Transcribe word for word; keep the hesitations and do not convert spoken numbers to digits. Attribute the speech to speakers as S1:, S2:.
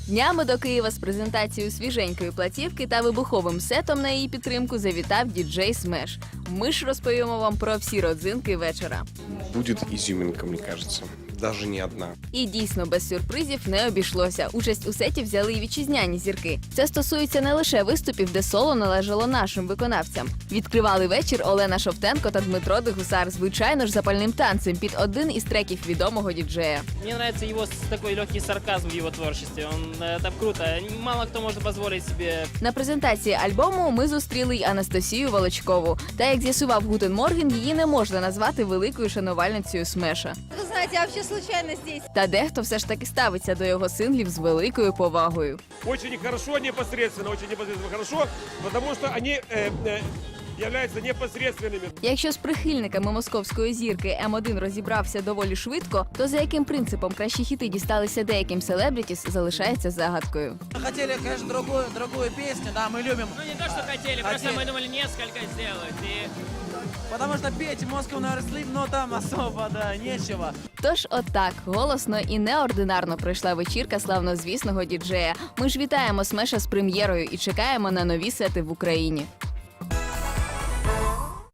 S1: Днями до Києва з презентацією свіженької платівки та вибуховим сетом на її підтримку завітав діджей Смеш. Ми ж розповімо вам про всі родзинки вечора.
S2: Будет изюминка, мне кажется. Даже не одна.
S1: І дійсно, без сюрпризів не обійшлося. Участь у сеті взяли й вітчизняні зірки. Це стосується не лише виступів, де соло належало нашим виконавцям. Відкривали вечір Олена Шовтенко та Дмитро Дегусар, звичайно ж, запальним танцем під один із треків відомого діджея.
S3: Мне нравится его с- такой легкий сарказм в его творчестве. Он, э, это круто. Мало кто может позволить себе.
S1: На презентації альбому ми зустріли й Анастасію Волочкову. Та, як з'ясував Гутен Морген, її не можна назвати великою шанувальницею Смеша.
S4: Вы знаете, я вообще случайно здесь.
S1: Та дехто все ж таки ставиться до його синглів з великою повагою.
S5: Очень хорошо, непосредственно, очень непосредственно хорошо, потому что они э, э, являются непосредственными.
S1: Якщо з прихильниками московської зірки М один розібрався доволі швидко, то за яким принципом кращі хіти дісталися деяким селебрітіс, залишається загадкою.
S6: Хотели, конечно, другую, другую песню, да, мы любим.
S3: Ну не то, что хотели, просто
S6: Хотели.
S3: мы думали несколько сделать. И
S6: Потому что петь Moscow Never Sleep, но там особо, да, нечего.
S1: Тож отак, голосно і неординарно пройшла вечірка славнозвісного діджея. Ми ж вітаємо Смеша з прем'єрою і чекаємо на нові сети в Україні.